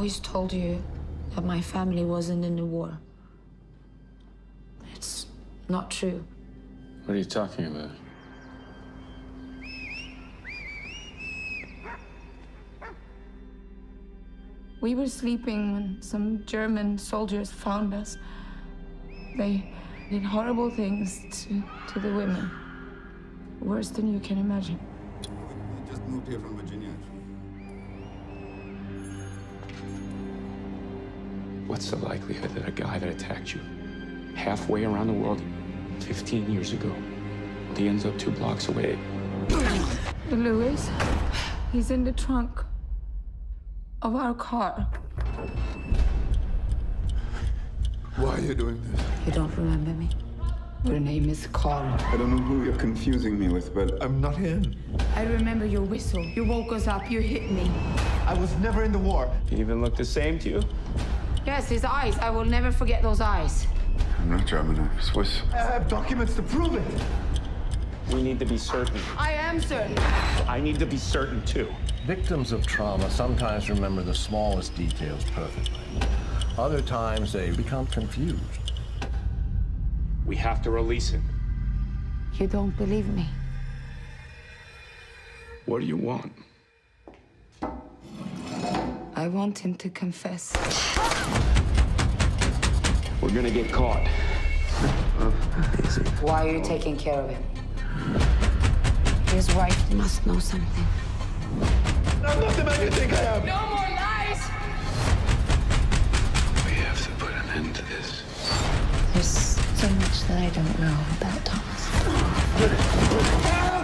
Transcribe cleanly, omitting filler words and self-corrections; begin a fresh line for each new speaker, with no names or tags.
always told you that my family wasn't in the war. It's not true.
What are you talking about?
We were sleeping when some German soldiers found us. They did horrible things to the women. Worse than you can imagine.
We just moved here from Virginia.
What's the likelihood that a guy that attacked you halfway around the world 15 years ago, he ends up 2 blocks away?
Louis, he's in the trunk of our car.
Why are you doing this?
You don't remember me?
Your name is Carl.
I don't know who you're confusing me with, but I'm not him.
I remember your whistle. You woke us up, you hit me.
I was never in the war.
He even looked the same to you?
Yes, his eyes. I will never forget those eyes.
I'm not German, I'm Swiss.
I have documents to prove it.
We need to be certain.
I am certain.
I need to be certain, too.
Victims of trauma sometimes remember the smallest details perfectly. Other times they become confused.
We have to release him.
You don't believe me.
What do you want?
I want him to confess.
We're gonna get caught.
Why are you taking care of him? His wife must know something.
I'm not the man you think I am.
No more lies!
We have to put an end to this.
There's so much that I don't know about Thomas.
Help!